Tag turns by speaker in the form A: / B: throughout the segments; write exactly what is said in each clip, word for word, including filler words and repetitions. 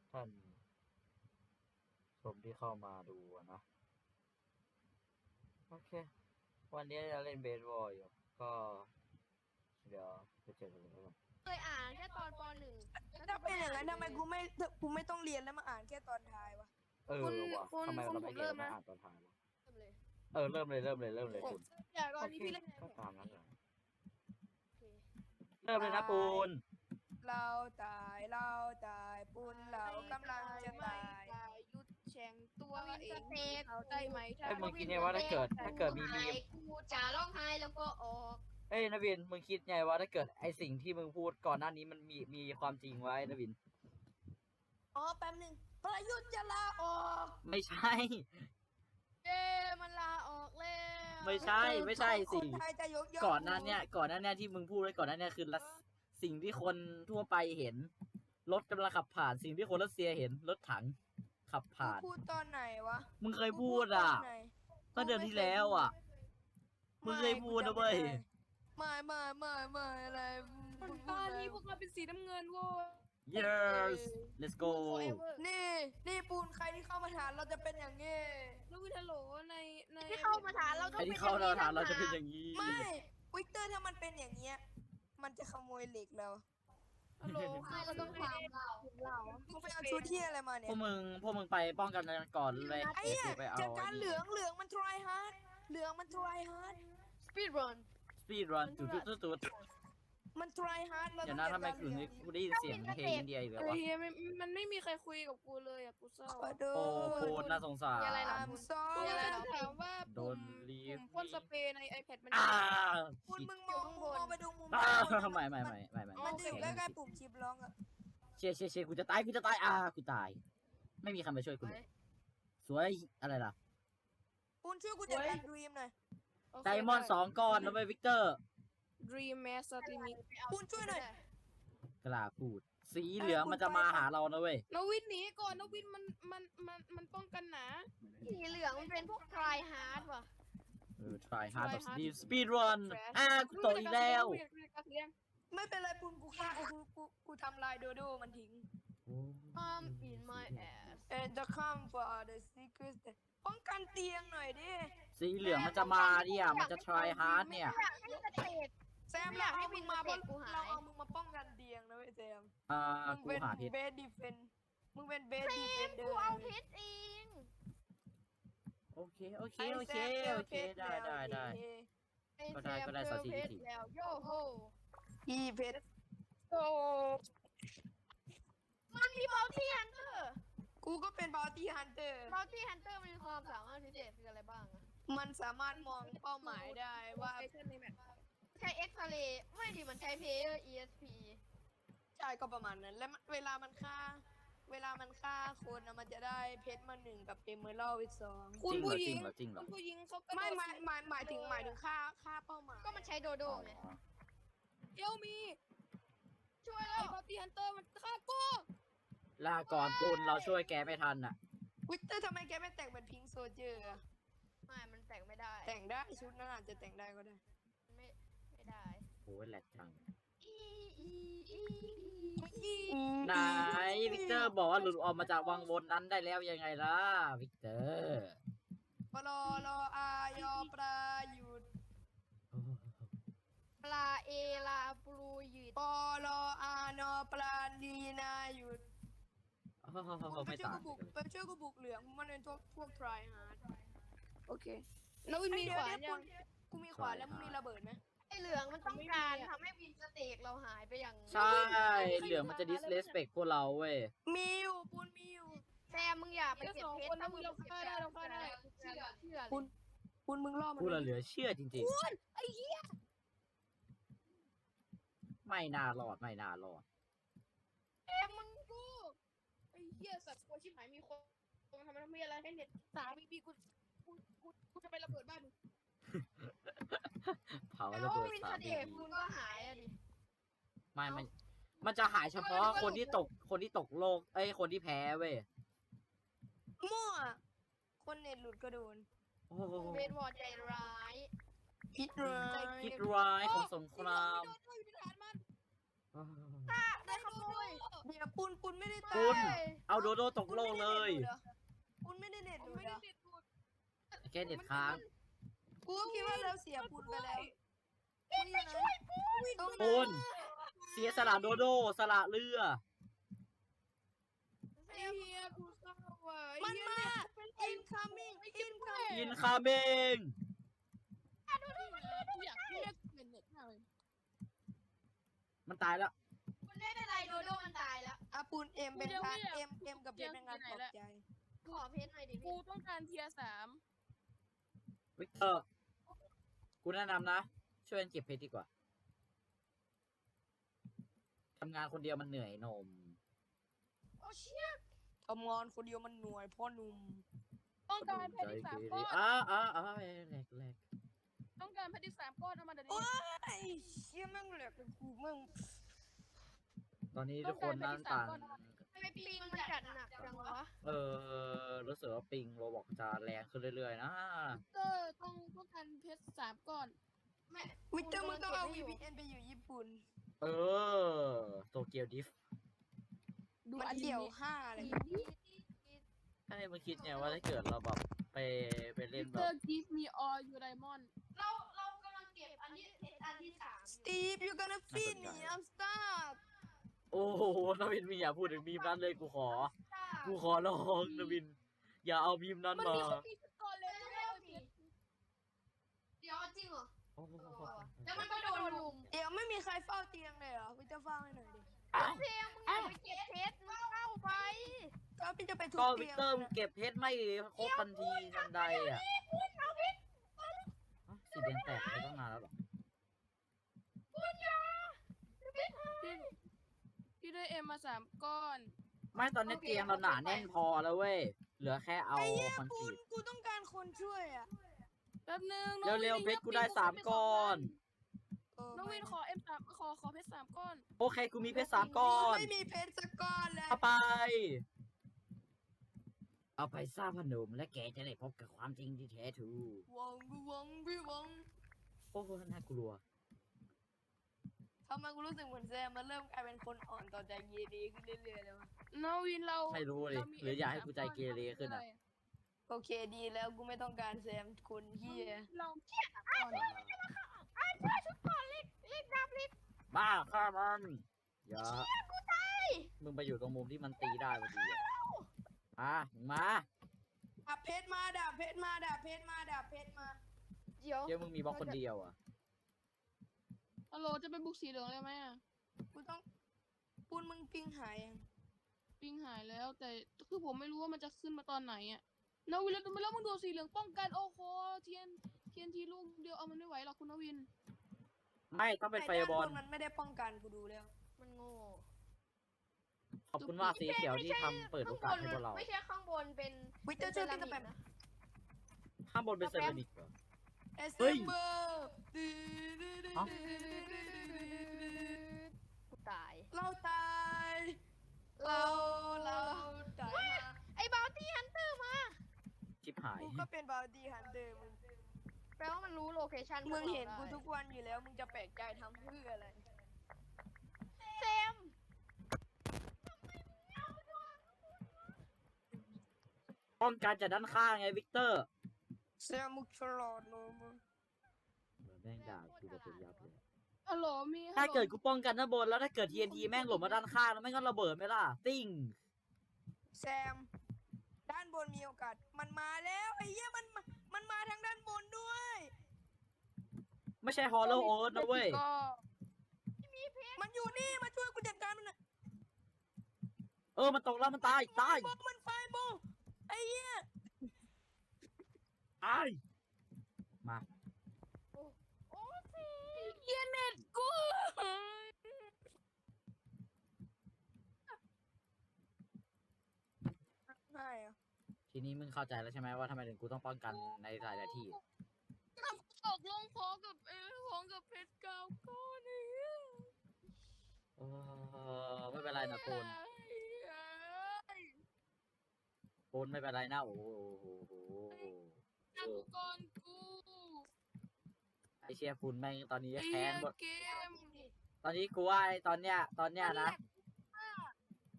A: ท่านชมที่เข้ามาดูนะ โอเค วันนี้จะเล่นเบสบอลอยู่ ก็ เดี๋ยวไปเจอกันเลยครับ
B: เคยอ่านแค่ตอนปหนึ่ง
C: ถ้าเป็นอย่างนั้นทำไมกูไม่กูไม่ต้องเรียนแล้วมาอ่านแค่ตอนท้ายวะ
A: เออ
D: คุณ
A: ว่ะ
D: คุณ
A: ทำไม
D: คุณ
A: เราไม่
D: ผม
A: เรีย
D: เริ่
A: น
D: ม
A: มา
D: นะ
A: อ่านตอนท้ายวะ
B: เริ่มเลย
A: เออ เริ่มเลยเริ่มเลยเริ่มเลยคุณ
D: อย่าตอน
A: โอ
D: นี้
A: เค
D: พี่เล่น
A: ก็ตามนั้นเลย
B: โอเค
A: เริ่มเลยนะปูน
C: เราตายเราตายปุนเรากำลังจะตาย
D: หยุดแข่งตัว
B: วิน
D: เอ
B: ส
D: ง
B: เต็ก
D: เขาได้ไหมถ้า
A: เอ้ยมึงคิดไงว่าถ้าเกิดถ้าเกิดมีมีม
B: กูจะร้องไห้แล้วก็ออก
A: เอ้ยนวิน มึงคิดไงว่าถ้าเกิดไอสิ่งที่มึงพูดก่อนหน้านี้มันมีมีความจริงไว้นวิน
C: อ๋อแป๊บหนึงประยุทธ์จะลาออก
A: ไม่ใช่
B: เย้มันลาออกแล้ว
A: ไม่ใช่ไม่ใช่สิ
C: คนไทยจะยกย่อง
A: ก่อนหน้าเนี้ยก่อนหน้าเนี้ยที่มึงพูดไว้ก่อนหน้าเนี้ยคือรัสสิ่งที่คนทั่วไปเห็นรถกำลังขับผ่าน สิ่งที่คนรัสเซียเห็นรถถังขับ
C: กู
A: ผ่าน
C: พูดตอนไหนวะ
A: มึงเคยพูดอ่ะ
C: กูพูตนไหน
A: ก็เดือนที่แล้วอ่ะ มึงเคยพูดนะเว้ย
C: ไม่ไม่ไม่ไม่อะไร
D: ตอนนี้พวกเราเป็นสีน้ำเงินโว้ย
A: yes let's go
D: forever
C: นี่นี่ปูนใครที่เข้ามาถามเราจะเป็นอย่างงี้
D: แล้ววินฮัลโหลในใน
B: ที่เข้ามาถามเราต้อง
A: ไอ้
B: เป็น
A: ที่เข้าเราถามเราจะเป็นอย่างนี้
C: ไม่วิกเตอร์ถ้ามันเป็นอย่างเงี้ยมันจะขโมยเหล็กเรา
D: ฮัลโหล
B: ไม่เราต้องถามเราเรา
C: มึงไปเอาชุดที่อะไรมาเนี่
A: พ
C: ยว
A: กมึงพวกมึงไปป้องกันกันก่อนเลย
C: ไอ้เนี่ย
A: เดี๋ยวไปเอา
C: จากการเหลืองเหลืองมัน try hard เหลืองมัน try hard
B: สปีดรัน
A: สปีดรันจุดจุดจุดจุด
C: มัน try hard เรา
A: เดี๋ยว
C: ต้
A: นะ
C: อง
A: ทำไม
C: จัด
A: ถึง
C: การเหลือง
A: กูได้ยินเสียงเพลงอินเดียอีกแล้ว
D: ไอ้
A: วะ
D: เฮียมันมันไม่มีใครคุยกับกูเลยอ่ะกูเศร้า
C: ขอโท
A: โอ้
C: ษ
A: โหน่าสงสาร
B: มีอะไรล่ะ
C: I'm
D: กู
C: sorry
D: อยากจะถามว่า
A: โด
D: ปุ่
A: น
D: ม
A: รีบ
D: ปุ่มพ่นสเปรย์ใน iPad มัน
A: อ่า
C: คุณ
A: ชิด
C: มึงมองมองไปดูมุม
A: อ่าไม่ไม่ไม่ไม่ไม่
C: มันจะอยู่ใกล้ๆปุ่มชิปร้องอะ
A: เชียร์เชียร์เชียร์กูจะตายกูจะตายอ่ากูตาย ไม่มีใครมาช่วยกูเลยสวยอะไรล่ะ
C: คุณช่วยกูจัดการดรีมหน่อย
D: โเค
A: ไดมอนด์สองก้อนนะเว้ยวิกเตอร์
D: Dream Master Limit
C: คุณช่วยหน่อย
A: กล้าพูด สีเหลืองมันจะมาหาเรานะเว้ย
D: นวินหนีก่อนนวินมันมันมันมันป้องกันหนา
B: สีเหลืองมันเป็นพวก try hard ว่ะ
A: เออ try hard แบบ speed speed run อ่ากูตกอีกแล้ว
C: ไม่เป็นไรปุนกูฆ่ากูกูกูทำลายโดโดมันทิ้ง
B: I'm in my ass
C: and the come for the secret ป้องกันเตียงหน่อยดิ
A: สีเหลืองมันจะมาเนี่ยมันจะ try hard เนี่ย
B: อยากให้สเตก
C: แซมเราเอามึงมาป้องเราเอามึงมาป้องกันเตียงนะเว้ยแซม
A: อ่า
C: มึง
A: กู
C: เป็น
A: หาเพชร
C: เบสดีเฟนมึงเป็นเบสดีเฟนเดอ
B: กู
C: ร์
B: เอาเพชรเอง
A: โอเคโอเคโอเคโอเคได้ได้ได้ ก็ได้ก็ได้
B: เจอ
A: สาวสี่
B: เพชร
A: สี่
B: แล้วโยโฮ
C: อีเพชร
D: โอ้
B: มันมีบอลที่ฮันเตอร์
C: กูก็เป็นบาวตี้ฮันเตอร์
B: บอลที่ฮันเตอร์มันมีความสามารถพิเศษคืออะไรบ้างอะ
C: มันสามารถมองเป้าหมายได้ว่า
D: ไอเทมในแมป
B: ใช้เอ็กซเรย์ไม่ดิมันใช้เพย์ อี เอส พี
C: ใช่ก็ประมาณนั้น แล้วเวลามันฆ่า เวลามันฆ่าคนนะมันจะได้เพชรมาหนึ่งกับเอเมอรัลด์อีกสอง
D: คุณผู้หญิง
A: จริงเหรอจริงเหรอ
D: คุณผู้หญิงเขากระโดด
C: ไม่หมายหมายหมายถึงหมายถึงค่าค่าเป้าหมาย
B: ก็มันใช้โดโดไง
D: เอลมี
B: ช่วย
D: ไอ้
B: แล้ว
D: บอตี้ฮันเตอร์มันฆ่ากู
A: ลาก่อนปูนเราช่วยแกไม่ทันอ่ะ
C: วิกเตอร์ทำไมแกไม่แต่งเป็นพิงค์โซเจอร์
B: ไม่มันแต่งไม่ได้
C: แต่งได้ชุดนั้นอาจจะแต่งได้ก็ได้
B: ไม่ไม่ได้
A: โอ้ยแหลกจัง
B: อีอีอี
A: ไหนวิกเตอร์บอกว่าหลุดออกมาจากวังวนนั้นได้แล้วยังไงล่ะวิกเตอร์
C: ปลอรออายอปลาหยุด
B: ปลาเอลาปลูหยืด
C: ปลออานอปลาดีนาหยุด
A: โอ้โห
C: ไป
A: ไม่
C: ช่วย
A: ต่าง
C: กูบุกไปช่วยกูบุกเหลืองมันเป็นพวกพวกทรายฮาร์ด
D: โอเคนวินมีขวานยัง
C: กูมีขวานแล้วมึงมีระเบิดไหม
B: ไอเหลืองมันต้องการทำให้วินสเต็กเราหายไปอย่าง
A: ใช่ เหลืองมันจะ disrespect พวกเราเว้ย
C: มีอยู่ปูนมีอยู่
B: แซมมึงอย่าไป
D: แค่
B: เก็บ
D: สอง
B: เพช
D: คน
B: ร
D: นะมึงเราฆ่าได้เราฆ่าได้
B: เชื่อเชื่อ
C: ปูนปูนมึงล่อมัน
A: พูดแล้วเหลือเชื่อจริง
D: คุณไอ้เหี้ย
A: ๆ ไม่น่ารอดไม่น่ารอด
D: เอ็มมึงกูไอ้เหี้ยสัตว์กลัวชิบหายมีคนทำไมทำไมอะไรให้เน็ตสามบีบีกูกูกูกูจะไประเบิดบ้านมึง
A: เผา
B: แต่
A: ระ
B: ว่า
A: เบิด
B: วิน
A: สา
B: ส
A: ม
B: เต็ก
A: ที
B: คุณก็หายอะดิ
A: ไม่มันมันจะหายเฉพาะคนที่ตกคนที่ตกโลกเอ้ยคนที่แพ้เว้ย
C: มั่วคนเน็ตหลุดก็โดน
A: โอ้โห
B: เบสบอลใจร้าย
C: พิษร้าย
A: คิดร้ายของสงคราม
D: โดนด้วยอยู่ในฐานมัน
A: โอ้โห
B: ได้ขโมย
C: บเดี๋ยวปุนปุนไม่ได้ตา
A: ปุณ
C: ย
A: เอาโดโดตกโลกเลย
C: ปุนไม่ได้เน็ต
D: ผม
C: ดู
D: ไม่
C: เหร
D: ได้
C: อ
D: ติดดูด
A: แค่เน็ตค้าง
C: กูก็คิดว่าเราเสียปุนไปแล้วปุนอยู่ไหนตรงไหน
A: ปุณเสียสละโดโดสละเรือ
D: ไอ้เฮียกูเศร้าว่ะ
C: มัน
D: ไอ้เหี้ย
C: มา
D: เน็ต
C: incoming incoming
A: อินคาเมง
D: กูอยากเรียกเป็นเน็ตมากเลย
A: มันตายแล้ว
B: มันไม่เป็นไรโดโดมันตายแล้ว
C: อาปูนเอ็มเป็นพาร์ทเอ็มเอ็มกับเพชรเป็นงานปลอบใจ
B: ขอเพชรหน่อยดิ
D: กู
B: พี่
D: ต้องการเทียร์สาม
A: วิกเตอร์ กูแนะนำนะ ช่วยกันเก็บเพชรดีกว่า ทำงานคนเดียวมันเหนื่อยหนม
B: โอ้เชี่ย
C: ทำงานคนเดียวมันหน่วยพ่อหนุ่ม
D: ต้องการเพชรอีกสามก้อน
A: อ้าอ้าอ้าแหลกแหลก
D: ต้องการเพชรอีกสามก้อนเอามาเดี๋ยว
C: โอ้
D: นี้
C: ยไอ้เชี่ยแม่งเหลือกับกูแม่ง
A: ตอนนี้ทุกคนนั่งต่าง
B: ทำไมปิงมันจัดหนักจังวะ
A: เออ รู้สึกว่าปิงโรบอกจะแรงขึ้นเรื่อยๆนะ
D: เตอร์ต้องต้องการเพชรสามก้อน
B: แม่
C: วิเตอร์มึงต้องเอา วี พี เอ็น ไปอยู่ญี่ปุ่น
A: เออ โตเกียวดิฟ
D: ดู
C: มัน
D: อัน
C: เกี่ยว
D: นี้
C: ห้าเลย
A: ให้มันคิดไงว่าถ้าเกิดเราแบบไปไปเล่นแบ
D: เตอบ ร์ give me all your diamond
B: เราเรากำลังเก็บอันที่อันที่สาม
C: สตีฟ you gonna feed me I'm stuck
A: โอ้โหนวินมีอย่าพูดถึงมีมนั้นเลยกูขอ กูขอร้องนวิน อย่าเอามีมนั้น
D: มัน
A: มา
D: มีคนมีสกอร์เลย
B: เร็
D: ไม่
B: ว
D: เอา
B: ๆ
D: เพ
B: ดิ
D: ชร
B: เดี๋ยวจริงเหรอ
A: โอ้โห
B: แล้วมันก็โดนลุม
C: เดี๋ยวไม่มีใครเฝ้าเตียงเลยเหรอวิเตอร์เฝ้าให้หน่อยดิ
B: เพียงมึงอย่าไปเก็บเพชรมึงเข้าไป
C: ก็พี่จะไปทุบ
A: ก็วิ
C: เตี
A: ก
C: ยง
A: เตอร์
C: นะ
A: เก็บเพชรไม่ครบทันทีทันใดอ่ะฮะสีแดงแตกไปตั้งนานแล้วเหรอ
D: พี่พี่ได้เอ็มมาสามก้อน
A: ไม่ตอนนี้เตียงเราหนาแน่นพอแล้วเว้ย เหลือแค่เอา
C: ไอ้เหี้ย
A: คอนก
C: ปู
A: รี
C: น
A: ต
C: กูต้องการคนช่วยอ่ะ
D: แป๊บนึง
A: เร็วๆเพชรกูได้สามก้อน
C: เออ
D: น้องวินขอเอ็มสามขอขอเพชรสามก้อน
A: โอเคกูมีเพชรสามก้อน
C: ไม่มีเพชรสักก้อนเลย
A: เอาไป เอาไปสร้างพนมและแกจะได้พบกับความจริงที่แท้ทรู
C: วังกูวังพี่วัง
A: โอ้โหน่ากลัว
C: ทำไมกูรู้สึกเหมือนแซมมันเริ่มกลายเป็นคนอ่อนต่อใจเยดีขึ้นเรื่อยๆเลยวะ
D: น้องวินเรา
A: ไม่รู้เลย
D: เามี
A: หรืออยากให้
D: M
A: กูใจเกเรขึ้นอะ
C: โอเคดีแล้วกูไม่ต้องการแซมคนเฮีย
D: เราเทียบก่อน
B: อ่ะช่วยชุดก่อนรีบรีบรับรีบ
A: บ้าฆ่ามันอย่า
B: กูตาย
A: มึงไปอยู่ตรงมุมที่มันตีได้พอดีอะมามึงมา
C: ดาบเพชรมาดาบเพชรมาดาบเพชรมาดาบเพชรมา
B: เดี๋ยว
A: เดี๋ยวมึงมีบล็อกคนเดียวอ่ะ
D: ฮัลโหลจะไปบุกสีเหลืองเลยไหมอะ
C: กูต้องปูนมึงปิงหายยัง
D: ปิงหายแล้ว แต่คือผมไม่รู้ว่ามันจะขึ้นมาตอนไหนอะน้องวินแล้วแล้วมึงโดนสีเหลืองป้องกันโอ้โหเทียนเทียนทีลูกเดียวเอามันไม่ไหวหรอกคุณนวิน
A: ไม่ต้องเป็นไฟ
C: ด้าน
A: บอล
C: นมันไม่ได้ป้องกันกูดูแล้ว
B: มันโง่
A: ขอบคุณมากสีเขียวที่ทำเปิดโอกาสให้พวกเรา
B: ไม่ใช่ข้างบนเป็น
C: วิเตอร์ช่วย
B: เป็
C: กัน น
B: เซ
C: แบ
B: รา
C: บ
B: มิกนะ
A: ข้างบนเป็นเซรามิกเหรอ
C: เอส
A: เฮ้ย
C: เบอร์
A: เอ้า
B: กูตาย
C: เราตายเราเราตายมา
B: ไอ้บาวตี้ฮันเตอร์มา
A: ชิบหาย
C: กูก็เป็นบาวดี้ฮันเตอร์มึง
B: แปลว่ามันรู้โลเคชั่น
C: มึงเห็น
B: พ
C: กู
B: วราได้
C: ทุกวันอยู่แล้วมึงจะแปลกใจทำเพื่ออะไร
B: เซม
A: ป้องกันจากด้านข้างไงวิกเตอร์
C: แซมมุกฉลาดเนอะมึง
A: เหมือนแม่งด่ากูแบบเป็นยับเลย
D: ฮัลโหลมี
A: ถ้า
D: ฮัลโหล
A: เกิดกูป้องกันด้านบนแล้วถ้าเกิด ที เอ็น ที แม่งหล่นมาด้านข้างแล้วแม่งก็ระเบิดไหมล่ะ ติ้ง
C: แซม ด้านบนมีโอกาส มันมาแล้วไอ้เหี้ยมันมามันมาทางด้านบนด้วย
A: ไม่ใช่ฮอลโลโอ๊ตนะเว้ย
D: ก็
C: มันอยู่นี่มาช่วยกูจัดการมันหน่อย
A: เออ มันตกแล้วมันตาย ตาย
C: ไฟบอลมันไฟบอลไอ้เหี้ย
A: ตาย มา
B: โอ้สิ
D: เหี้ยเน็ตกู
C: ใช่อะ
A: ทีนี้มึงเข้าใจแล้วใช่ไหมว่าทำไมถึงกูต้องป้องกันในหลายๆที่
D: ตกลงพร้อมกับเออพร้อมกับเพชรเก้าก้อนเนี่ย
A: เออไม่เป็นไรนะปูนปูนไม่เป็นไรนะ โอ้โห
D: นักก่อนกู
A: ไอเชียปูนแม่งตอนนี้
D: ไอ้
A: แค้
D: เหี้ย
A: นหมด
D: เกม
A: ตอนนี้กูว่าไอ้ตอนเนี้ย ตอนเนี้ยนะ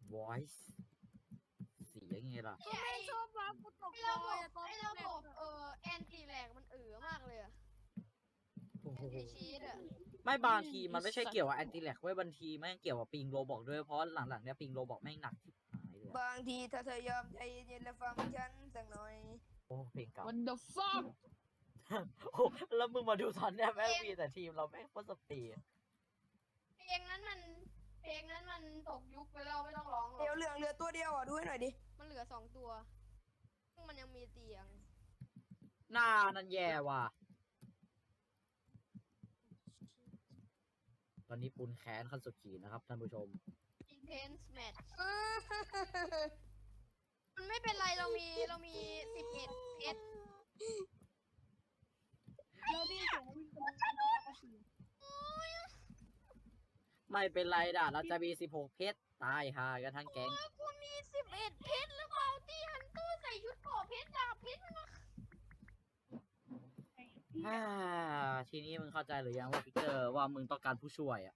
A: voice เสียงไงล่ะ
B: ไอ้ไอ้
D: ชอบมากูตก
B: ไอ้ระบบ
D: ตอน
B: ไอ้ระบบเออแอนตี้แลกมันเอ๋อมากเลยอะ
A: โอ้โห
B: แอนตี้ชีตอะ
A: ไม่บางทีมันไม่ใช่เกี่ยวกับแอนติแลกเว้ยบางทีแม่งเกี่ยวกับปิงโรบอกด้วยเพราะหลังๆเนี้ยปิงโรบอกแม่งหนักทิบหายเลยอะ
C: บางทีถ้าเธอยอมใจเย็นๆและฟังฉันสักหน่อย
A: โอ้เพลงเก่า
D: วันเดอร์ฟัก
A: โอ้แล้วมึงมาดูตอนเนี้ยแม่งมีแต่ทีมเราแม่งโคตรสปีด
B: เพลงนั้นมันเพลงนั้นมันตกยุคไปแล้วไม่ต้องร้องหร
C: เดี๋ยว
B: อก
C: เหลืองเหลือตัวเดียวอ่ะดูให้หน่อยดิ
B: มันเหลือสองตัวซึ่งมันยังมีเตียง
A: หน้านั่นแย่ว่ะตอนนี้ปุนแค้นขั้นสุดขีดนะครับท่านผู้ชม
B: intense match มันไม่เป็นไรเรามีเรามีสิบเอ็ดเพชร
D: เราได้เสียงวิ่งไป
A: ไม่เป็นไรด่ะเราจะมีสิบหกเพชรตายหากันทั้งแก๊ง
B: กูมีสิบเอ็ดเพชรแล้วก็เอาตี้ฮันเตอร์ใส่ชุดเกราะเพชรดาบเพชรมันมา
A: อ่าทีนี้มึงเข้าใจหรือยังว่าพิกเตอร์ว่ามึงต้องการผู้ช่วยอ่ะ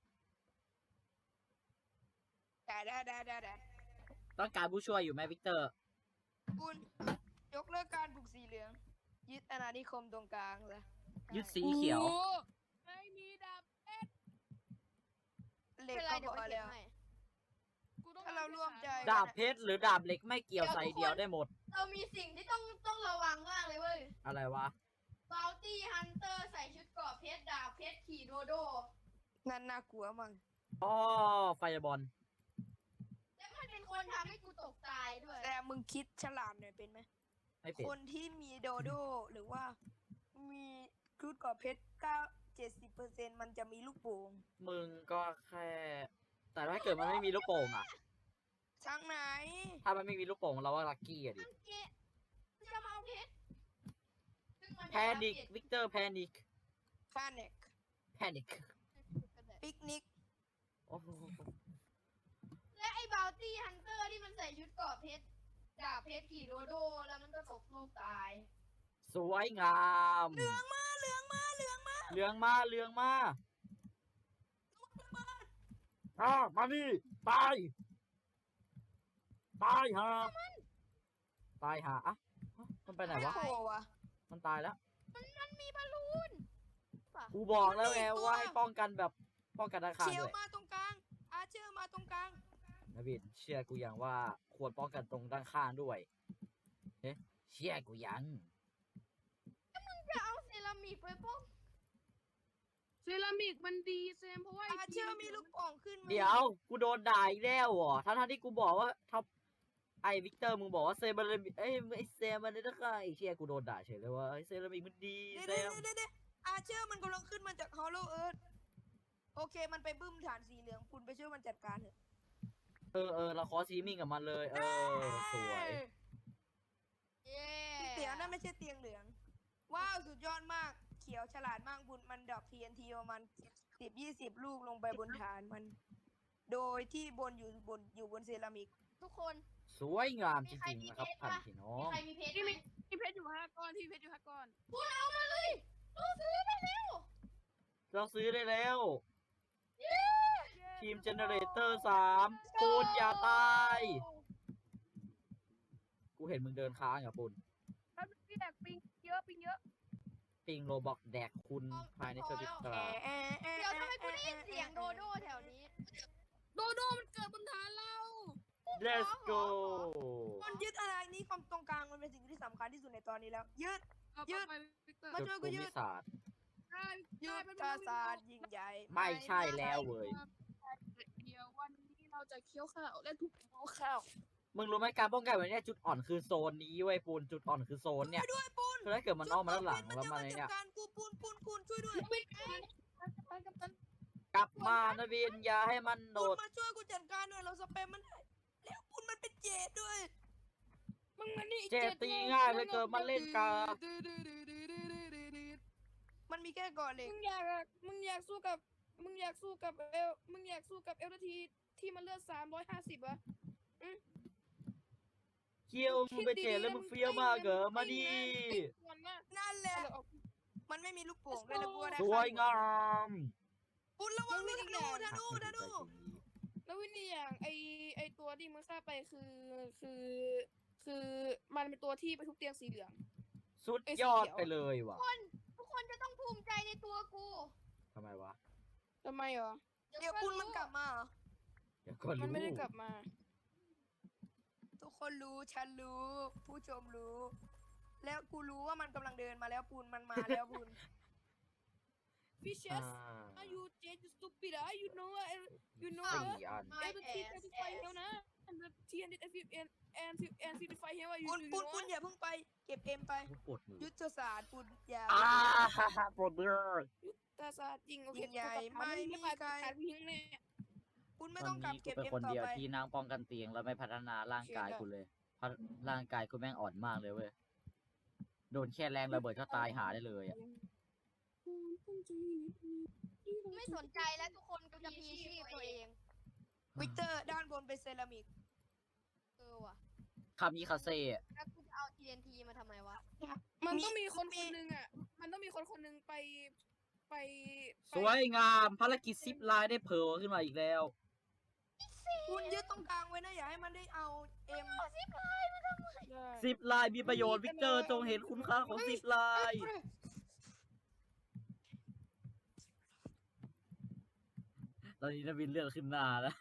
C: ได้ได้ได้ได้ได้
A: ต้องการผู้ช่วยอยู่ไหมพิกเตอร์
C: คุณยกเลิกการปลูกสีเหลือง ยึดอาณานิคมตรงกลางซะ
A: ยึดสีเขียว
D: โอ้ไม่มีดาบเพชร
C: เหล็ก
B: เป็นไร
C: ก็
B: เดี๋ยว
C: พ
B: ไป
C: อ
B: เก็บ
C: แล้ว
B: ให้
D: กูต้อง
C: ถ้าเราร่วมใจ
A: ดาบเพชรหรือดาบเหล็กไม่เกี่ยวใส่เดียวได้หมด
B: เรามีสิ่งที่ต้องต้องระวังมากเลยเว้ย
A: อะไรวะ
B: บาวตี้ฮันเตอร์ใส่ชุดเกราะเพชรดาบเพชรขี่โดโด
C: นั่นน่ากลัวมั้ง
A: อ๋อไฟบอล
B: แล้วมันเป็นคนทำให้กูตกตายด้วย
C: แต่มึงคิดฉลาดหน่อยเป็นไหม
A: ไม่เป็น
C: คนที่มีโดโดหรือว่ามีครุฑกรอบเพชรเก้าเจ็ดสิบเปอร์เซ็นต์มันจะมีลูกโป่ง
A: มึงก็แค่ แต่ถ้าเกิดมันไม่มีลูกโป่งอ่ะ
C: ช่างไหน
A: ถ้ามันไม่มีลูกโป่งเราว่าลัคกี้อะดิ
B: มันเกะมันจะมาเอาเพชรซึ่งมัน
A: แพนิกวิกเตอร์แพนิก
C: แพนิค
A: แพนิก
C: ปิกนิก
A: โอ้โห
B: และไอ้บาวตี้ฮันเตอร์ที่มันใส่ชุดเกราะเพชรดาบเพชรขี่โดโด แล้วมันก็ตกลูกตาย
A: สวยงาม
C: เหลืองมาเหลืองมาเหลืองมา
A: เหลืองมาเหลืองมาอ่ามานี่ตาย ตายหาตายหาอ่ะมันไปไหนวะ
C: โอ้วะ
A: มันตายแล้ว
B: มันมีบอลลูนป่ะ
A: กูบอกแล้วไงว่าให้ป้องกันแบบป้องกันด้านข้าง
C: เขียว
A: ด้วย
C: มาตรงกลาง อาเชอร์มาตรงกลาง
A: นะบินเชื่อกูอย่างว่าควรป้องกันตรงด้านข้างด้วยเอ๊ะเชื่อกูยัง
B: จะเอาเซรามิกไปป้อง
D: เซรามิกมันดีเซมเพราะว่า
C: อาเชอร์มีลูกโป่งขึ้นมา
A: เดี๋ยวกูโดนด่าอีกแล้วเหรอทั้งๆที่กูบอกว่าท็อปไอวิกเตอร์มึงบอกว่าเซรามิกเอ้ยไอเซรามิกนะคะไอเชี่ยกูโดนด่าเฉยเลยว่าไอเซรามิกมันดี
C: เดี๋ยว
A: เซ
C: เดี๋ยว
A: รา
C: เดี๋ยวเดี๋ยวอาเชอร์มันกำลังขึ้นมาจากฮอลโลเอิร์ธโอเคมันไปบึ้มฐานสีเหลืองคุณไปช่วยมันจัดการเถอะ
A: เออเออเราขอซีมิ่งกับมันเลย เออสวย
B: เย้
C: เตียงนั่นไม่ใช่เตียงเหลือง ว้าวสุดยอดมาก เขียวฉลาดมากบุญมันดอก ที เอ็น ที ประมาณสิบยี่สิบลูกลงไปบนฐานมัน โดยที่บนอยู่บนอยู่บนเซรามิก
B: ทุกคน
A: สวยงามจริงๆนะครับท่านพี่น้อ
B: มี
A: ง
B: ใครมีเพชร
D: ที่
B: ไหม
D: มีที่เพชรอยู่ห้าก้อนที่เพชรอยู่ห้าก้อน
B: พูดเอามาเลยเราซื้อไปแล้ว
A: เราซื้อได้แล้ว ทีมเจเนเรเตอร์สามปูนอย่าตาย กูเห็นมึงเดินค้างอ่ะปูน
D: แล้วพี่แดกปิงเยอะปิงเยอะ
A: ปิงโรบอกแดกคุณภายในสวิตตรา
B: เดี๋ยวทำไมกูได้ยินเสียงโดโดแถวนี้
D: โดโดมันเกิดบนฐานเรา
A: let's go
C: มันยึดอะไรนี้ความตรงกลางมันเป็นสิ่งที่สำคัญที่สุดในตอนนี้แล้ว ยึด
D: เอา
C: ยืด
D: ไปวิกเตอร์
C: มา
A: จุด
C: ช่วยกู
A: ภู
C: ยื
A: มิ
C: ด
A: ศาสตร์
D: ได้
C: ยึ
D: ได้
C: ด
D: เป็น
C: กาศาสตร์ยิ่งใหญ่
A: ไม่ใช่แล้วเว้ย
D: เดี๋ยววันนี้เราจะเคี้ยวข้าวและทุกเคี้ยวข้าว
A: มึงรู้ไหมการป้องกันแบบเนี้ยจุดอ่อนคือโซนนี้เว้ยปูนจุดอ่อนคือโซนเนี่ย
C: ด้วยปูน
A: คือถ้าเกิดมันอ้อมมาด้านหลัง
C: มัน
A: แล้ว
C: จะ
A: มา
C: มา
A: ใน
C: จัด
A: เนี่ย
C: การกูปูนปูนปูนช่วยด้วย
D: ไปกับตัน
A: กลับมานะวินอย่าให้มันโด
C: ปูน
A: ด
C: มาช่วยกูจัดการหน่อยเราสเปมมันได้แล้วปูนมันเป็นเจดด้วย
D: มึงมานี่
A: เจตีง่ายเลยเกิดมันเล่นกา
C: มันมีแค่ก่อนเหล็ก
D: มึงอยากมึงอยากสู้กับมึงอยากสู้กับเอลมึงอยากสู้กับเอลทีที่มันเลือดสามร้อยห้าสิบอะ
A: เคียวมึงไปเจแล้วมึงเฟี้ยวมากเหรอมาดิ
C: นั่นแหละ มันไม่มีลูกโป่งด้วยแล้วกูก็ได้
A: สวยงาม
C: ปูนระวังด้วยธนูธนูธนู
D: แล้ววินนี่อย่างไอไอตัวที่มึงฆ่าไปคือคือคือมันเป็นตัวที่ไปทุบเตียงสีเหลือง
A: สุด
D: ไอ้สี
A: ยอด
D: เขียว
A: ไปเลยว่ะ
B: ทุกคนจะต้องภูมิใจในตัวกู
A: ทำไมวะ
D: ทำไมเหรอ
C: เดี๋ยวปุ้นมันกลับมาเหรอ
A: เดี๋ยวก่อน
D: มัน
A: รู้
D: ไม่ได้กลับมา
C: ทุกคนรู้ฉันรู้ ผู้ชมรู้ แล้วกูรู้ว่ามันกำลังเดินมาแล้วปูนมันมาแล้วปูน
D: Fishes
A: อ่า
D: are you just stupid ah you know uh, you know
A: สี่
D: uh,
A: อัน
B: My
D: and the T
B: ass
D: thirty-five
B: ass
D: แล้วนะ and the T and and and and and fifty-five here you
C: ปูน
D: you
C: ปูน
D: know
C: ปูนอย่าเพิ่งไป เก็บเอ็มไป
A: ปวดมือ
C: ยุทธศาสตร์ปูนอย่า
A: อ่าปวดมือ
D: ตาซาจริงโอเค
C: ยิ่งใหญ่ไม่มีใคร
D: ขาดวิ่งแน่
C: ปูน
A: ต
C: ไม่
A: อน
C: ต้องกลับ
A: นี้กู
C: เก็บ
A: เป็น
C: เอ็ม
A: คน
C: ต่อ
A: เดียว
C: ไป
A: ที่นั่งป้องกันเตียงแล้วไม่พัฒนาร่างกายกูเลยเพราะร่างกายกูแม่งอ่อนมากเลยเว้ย โดนแค่แรงระเบิดก็ตายหาได้เลยอ่ะ
B: ไม่สนใจแล้วทุกคนกูจะพีชีพตัวเอง
C: วิกเตอร์ด้านบนเป็นเซรามิก
B: เออว่ะ
A: คามิคาเซ่
B: แล้วกูจะเอา ที เอ็น ที มาทำไมวะ
D: มันต้อง
C: มี
D: มีคน
C: มี
D: คนหนึ่งอ่ะ มันต้องมีคนคนหนึ่งไปไป
A: สวยงาม ภารกิจซิปไลน์ได้เผลขึ้นมาอีกแล้ว
C: ปูนยึดตรงกลางไว้นะ อย่าให้มันได้เอาเอ็ม
D: ได้
A: ซิปไลน์มีประโยชน์วิกเตอร์จงเห็นคุณค่าของซิปไลน์ตอนนี้นวินเลือดขึ้นหน้าแล้ว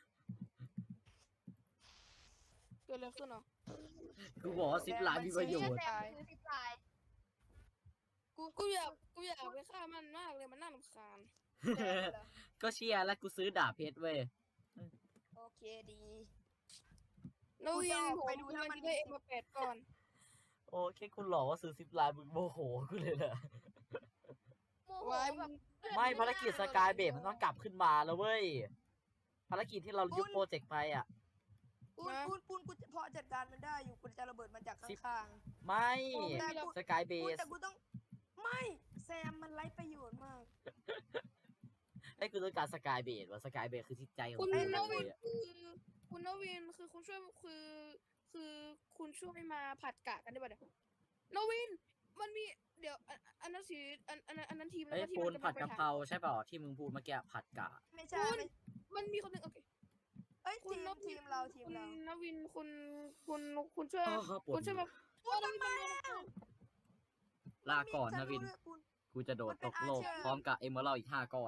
D: เกิดอะไรขึ้นเหรอ
A: กูบอกว่าซิปไลน์มีประโยชน์
B: แซมคือสิบลาย
C: กู
D: กูอยากกูอยากไปฆ่ามันมากเลยมันน่ารำคาญ
C: แซมเหรอ
A: ก็เชียร์แล้วกูซื้อดาบเพชรเว้ย
C: โอเคดี
D: แล้ว
C: กู
D: วิ
C: จะ
D: น
C: ออก
D: ผม
C: ไปดู
D: กำ
C: ถ้า
D: ลัง
C: มัน
D: จะได้เอ็มมาแปดก่อน
A: โอ้แค่คุณหลอกว่าซื้อซิปไลน์มึงโมโหกูเลยนะ
B: โมโห
D: ว้าย
B: แบบ
A: ไม่ภารกิจสกายเบรมันต้องกลับขึ้นมาแล้วเว้ย ภารกิจที่เรายุบโปรเจกต์ไปอ่ะ
C: ปูนปูนปูนกูจะพอจัดการมันได้อยู่กูจะระเบิดมันจากข้าง
A: ไม่
C: ๆแต่กู
A: สกายเบ
C: ปูน
A: ส
C: แต่กูต้อง ไม่แซมมันไร้ประโยชน์มาก
A: ไอ้กูต้องการสกายเบสว่าสกายเบสคือจิตใจของ
D: คุณ
A: กู
D: น
A: เล
D: วิน
A: ยอะ
D: คือคุณนวินคือคุณช่วยคือคือคุณช่วยมาผัดกะกันได้ป่ะเดี๋ยวนวินมันมีเดี๋ยวอันอันนั้นสีอันอันนั้นอันนั้นทีมแล้ว
A: ไอ้
D: ก็ที่
A: ปู
D: มัน น
A: ผัด
D: ไป
A: กะเพราใช่เปล่าที่มึงพูดเมื่อกี้ผัดกะ
C: ไม่ใช่ไม่
D: มันมีคนหนึ่งโอเค
C: เอ้ย
D: คุ
C: ที
D: ณ
C: ม
D: นวิน
C: ทีมเราทีม
D: คุณ
C: เรา
D: นวินคุณคุณคุณช่วย
A: อ้าวปว
D: คุ
A: ด
D: ณช่วย
A: มื
D: มา
A: อ
D: โอ้นวินมันเลย
A: ลาก่อนนะวิน กูจะโดดตกโลกพร้อมกับเอเมอรัลอีกห้าก้อน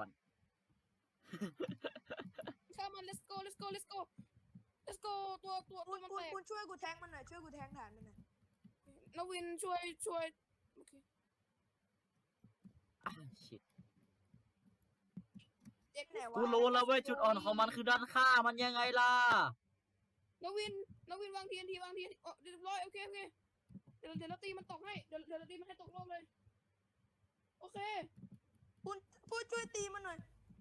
D: ข้ามัน let's go let's go let's go let's go ตัวตัวตั
C: คุ
D: ว
C: ณ
D: มัน
C: คุณ
D: แตก
C: คุณช่วยกูแทงมันหน่อยช่วยกูแทงฐานมันหน่อย
D: นวินช่วยช่วยโอเค
A: อ่ะชิต
C: เจ็ดไหนวะ
A: กูรู้แล้วเว้ยจุดอ่อนของมันคือด้านข้างมันยังไงล่ะ
D: นวินนวินวางทีนทีวางทีนโอ้เรียบร้อยโอเคโอเคเดี๋ยวเดี๋ยวเราตีมันตกให้เดี๋ยวเดี๋ยวเราตีมันให้ตกโลกเลยโอเค
C: คุณพูดช่วยตีมันหน่อย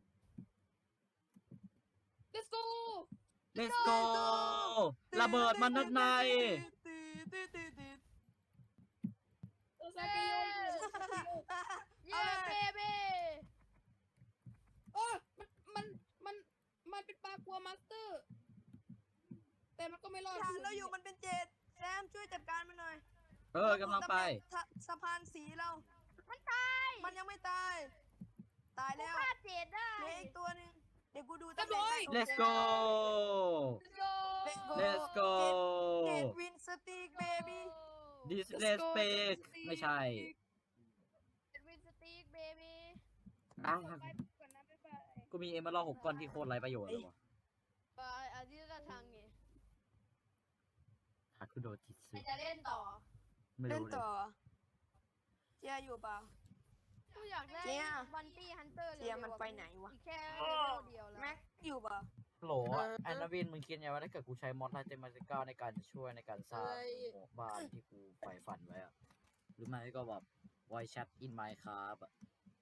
D: let's go
A: let's go ระเบิดมันด้านใน
C: ตีตีตีตี
D: โอซาเกโย
B: เย้เบเบ้
D: โอ้มันมันมันมันเป็นปลากลัวมาสเตอร์ แต่มันก็ไม่รอด
C: ฐานเราอยู่มันเป็นเจ็ดแซมช่วยจัดการมันหน่อย
A: เออกำลังไป
C: สะสะพานสีเรา
B: มันตาย
C: มันยังไม่ตาย ตาย
B: กู
C: แล้ว
B: ฆ่าเจดได้
C: เหลืออีกตัวหนึ่งเดี๋ยวกูดู
D: เรียบร้อย
A: let's go
B: Let's go
A: let's go
C: เจ็ดวินสติกเบบี้
A: this let's space ไม่ใช่
B: เป็นวินสตีกเบบี้
A: อ่ะ
D: ไปก่อนนะบ๊ายบาย
A: กูมีเอเมอรัลหกก้อนที่โคตรไร้ประโยชน์เลยวะ
B: ไปอาทิตย์ละทางไง
A: หาคุโดจิต
B: ใค
A: สึ
B: รจะเล่นต่อ
A: ไม่
C: เล่น
A: รู้เล
C: ต่อย เจียอยู่เปล่า
B: กูอยากได้
C: เจี๊ย
B: บันตี้ฮันเตอร์
C: เจียมันไปไหนวะ
B: อีกแค่เลเวลเดียวแล้ว
C: แม็กอยู่เปล่า
A: โหลแอนนาวินมึงคิดไงว่าถ้าเกิดกูใช้มอดไลท์เตมาติก้าในการช่วยในการสร้างหมู่บ้านที่กูใฝ่ฝันไว้อะหรือไม่ก็แบบ voice chat in Minecraft อะ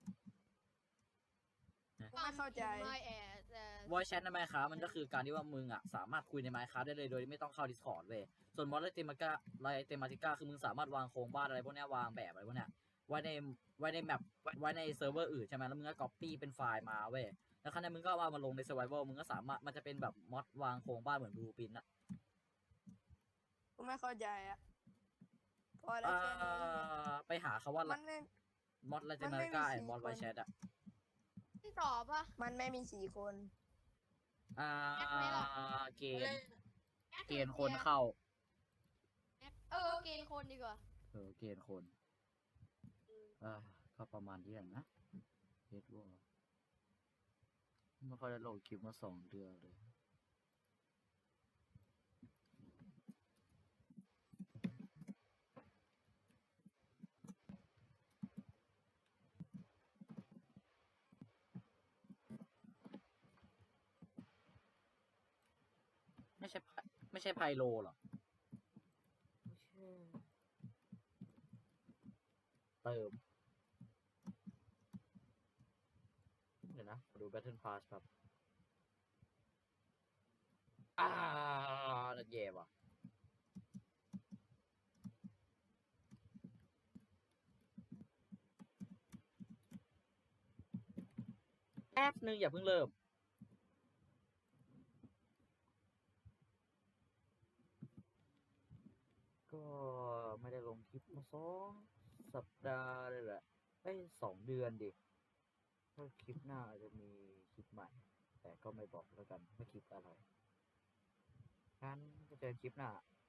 C: กูไม่เข้าใจ
B: ไม่แอดแต่
A: voice chat ใน Minecraft มันก็คือการที่ว่ามึงอ่ะสามารถคุยใน Minecraft ได้เลยโดยที่ไม่ต้องเข้า Discord เว้ยส่วนมอดไลท์เตมาติก้าไลท์เตมาติก้าคือมึงสามารถวางโครงบ้านอะไรพวกเนี้ยวางแบบอะไรพวกเนี้ยไว้ในไว้ในแมปไว้ในเซิร์ฟเวอร์อื่นใช่ไหมแล้วมึงก็ copy เป็นไฟล์มาเว้ยแล้วครั้งนี้มึงก็เอามาลงใน survival มึงก็สามารถมันจะเป็นแบบมอดวางโครงบ้านเหมือนบลูปินอะ
C: กูไม่เข้าใจอะพอแล้ว
A: อ่า
C: แค่นี้
A: ไปหาคาว่า
C: มันไม่
A: มอดไลท์เต
C: มัน
A: มา
C: ไม่
A: ติก้า
C: มี
A: ไอ้
C: สี่
A: มอด
C: คน
A: ไวแชทอะ
B: เล่นต่อปะ
C: มันไม่มีสี่คน
A: อ่า
B: แอดไหมล่ะ
A: เกณฑ์ เกณฑ์คนเข้า
B: เออเกณฑ์คนดีกว่า
A: เออ เกณฑ์คน อ่า ก็ประมาณนี้แหละนะเฮดวอลไม่ค่อยได้ลงคลิปมาสองเดือนเลย ไม่ใช่ไพไม่ใช่ไพโลหรอ ไม่ใช่ เติม เดี๋ยวนะขอดู Battle Pass ครับ อ่านั่นแย่ว่ะ แป๊บนึงอย่าเพิ่งเริ่ม ก็ไม่ได้ลงคลิปมาสองสัปดาห์เลยแหละเอ้ยสองเดือนดิ ถ้าคลิปหน้าอาจจะมีคลิปใหม่ แต่ก็ไม่บอกแล้วกันว่าคลิปอะไรงั้นจะเจอคลิปหน้า